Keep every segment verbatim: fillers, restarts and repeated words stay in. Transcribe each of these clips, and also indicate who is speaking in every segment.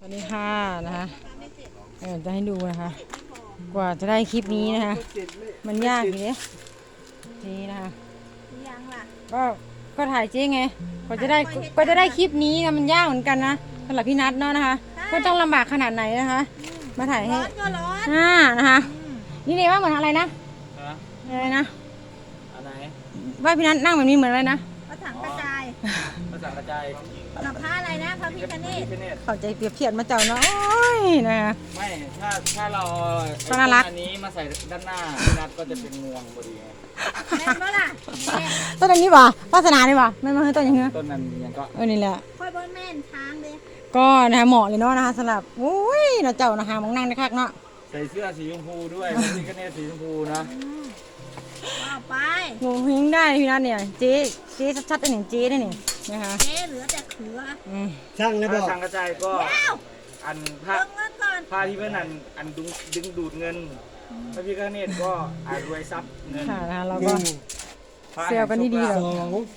Speaker 1: วัสดีค่ะนะคะเออจะให้ดูนะคะกว่าจะได้คลิปนี้นะคะมันยากอยู่เนี่ยนี่นะคะก็ก็ถ่ายเจ๊ไงกว่าจะได้กว่าจะได้คลิปนี้นะมันยากเหมือนกันนะสำหรับพี่นัทเนาะนะคะก็ต้องลำบากขนาดไหนนะคะมาถ่ายให้อ่านะคะนี่เลยว่าเหมือนอะไรนะอะไรนะ
Speaker 2: อะไร
Speaker 1: ว่าพี่นัทนั่งแบบนี้เหมือนอะไรนะ
Speaker 3: พระถังกระจาย
Speaker 2: ภาษากระจาย
Speaker 3: กับพระอะไรนะพระพิฆเนศ
Speaker 1: เข้าใจเปรียบเทียบมาเจ้าเนาะนะคะ
Speaker 2: ไม่ถ้าถ้าเรา
Speaker 1: ก็น่ารัก
Speaker 2: อันนี้มาใส่ด้านหน้าพี่นัทก็จะเป็นงวงพอดีไง
Speaker 3: แม่นบ่ล่ะ
Speaker 1: ต้นนี้ป่ะวาสนานี่ป่ะไม่มาให้ต้นอย่างเงี้ย
Speaker 2: ต้นนั้นยังก็
Speaker 1: เออนี่แหละ
Speaker 3: ค่อยบ่แม่นช้างเด้
Speaker 1: ก็นะคะเหมาะเลยเนาะนะคะสำหรับโอ้ยเราเจ้านะคะมองนั่งได้คักเนาะ
Speaker 2: ใส่เสื้อสีชมพูด้วยพี่ก็เนตสีชมพูนะ
Speaker 3: เอาไป
Speaker 1: งงหิ้งได้พี่นัทเนี่ยเจ๊เจ๊ชัดๆได้เนี่ยเจ๊ได้เนี่ยนะคะ
Speaker 3: เจ๊เหลือแต่เขือ
Speaker 2: ช่างเลยบอกช่างกระจายก็อันผ้าผ้าที่เพื่อนอันอันดึงดึงดูดเงินพระพิฆเนศก็อารวยทรัพย์เงิน
Speaker 1: ค่ะนะคะเราก็เซลกันดีๆเลย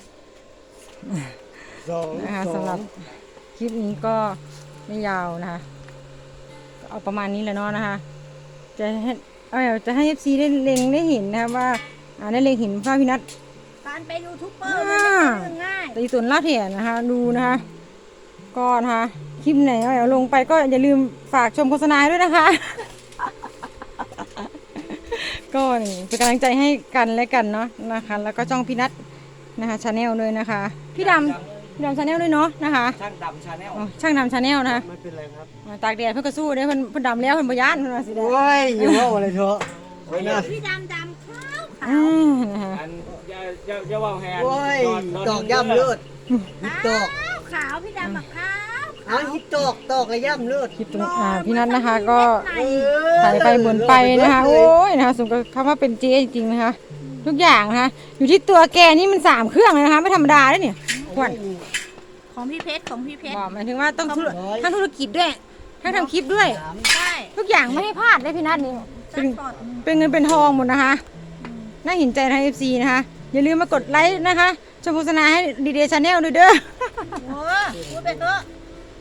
Speaker 1: นะคะสำหรับคลิปนี้ก็ไม่ยาวนะคะเอาประมาณนี้แหละเนาะนะคะจะให้เอาจะให้เอฟซีได้เล็งได้เห็นนะคะว่าอ่าได้เล็งเห็นพระพินัท
Speaker 3: การเป็นยูทูบเบอร์มันไม่ใช่ง่าย
Speaker 1: แต่ส่วนล่าเถียนนะคะดูนะคะก็นะคะคลิปไหนเอาลงไปก็อย่าลืมฝากชมโฆษณาด้วยนะคะก็นี่เป็นกำลังใจให้กันและกันเนาะนะคะแล้วก็จ้องพี่นัทนะคะชาแนลด้วยนะคะพี่ดำพี่ดำชาแนลด้วยเนาะนะคะ
Speaker 2: ช่างดำชาแนล
Speaker 1: ช่างดำชาแนลนะคะ
Speaker 2: ไม่เป็นไรครับ
Speaker 1: ตากแดดเพื่อกระสู้เนี่ยเพิ่นเพิ่นดำแล้วเพิ่นบยานเพิ่นมาสิ
Speaker 2: โอ้ยอยู่ว่าอะไรเถอะ
Speaker 3: พี่ดำดำขาวขาว
Speaker 1: อัน
Speaker 2: อย่าอย่าอย่าว่าแฮน
Speaker 4: ตอกย่ำเลือด
Speaker 3: ตอกขาวพี่ดำแบบขาว
Speaker 4: เอาฮิตตอกตอกกระย่ำเลือด
Speaker 1: คลิปตรงอ่าพี่นัทนะคะก็ถ่ายไปบนไปนะคะโอ้ยนะคะสมกับคำว่าเป็นเจ๊จริงๆนะคะทุกอย่างนะคะอยู่ที่ตัวแกนี่มันสามเครื่องเลยนะคะไม่ธรรมดาเลยเนี่ยขวัญ
Speaker 3: ของพี่เพชรของพี่เพชร
Speaker 1: บอกหมายถึงว่าต้องทั้งธุรกิจด้วยทั้งทำคลิปด้วย
Speaker 3: ใช่
Speaker 1: ทุกอย่างไม่ให้พลาดเลยพี่นัทนี่เป็นเป็นเงินเป็นทองหมดนะคะน่าเห็นใจทางเอฟซีนะคะอย่าลืมมากดไลค์นะคะชมโฆษณาให้ดีเดย์ชาแนลด้วยเด้อ
Speaker 3: โอ้พูดไปเถอะ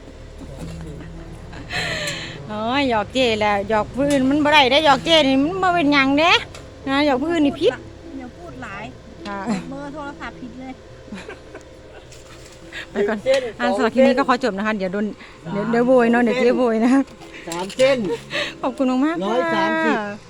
Speaker 1: โอ้ยหยอกเจ๊แหละหยอกผู้อื่นมันบ่ได้ได้หยอกเจ๊นี่มันมาเป็นยังเด้นะหยอกผู้อื่นนี่พิษ
Speaker 3: อย่าพูดหลายเบอร์โทรศัพท์ผิดเลย
Speaker 1: ไปก่อนอันสำหรับคลิปนี้ก็ขอจบนะคะเดี๋ยวโดนเดี๋ยวเดี๋ยวโวยเนาะเดี๋ยวเจ๊โวยนะ
Speaker 4: สามเส้น
Speaker 1: ขอบคุณมากๆ
Speaker 4: ร้อยสามสิบ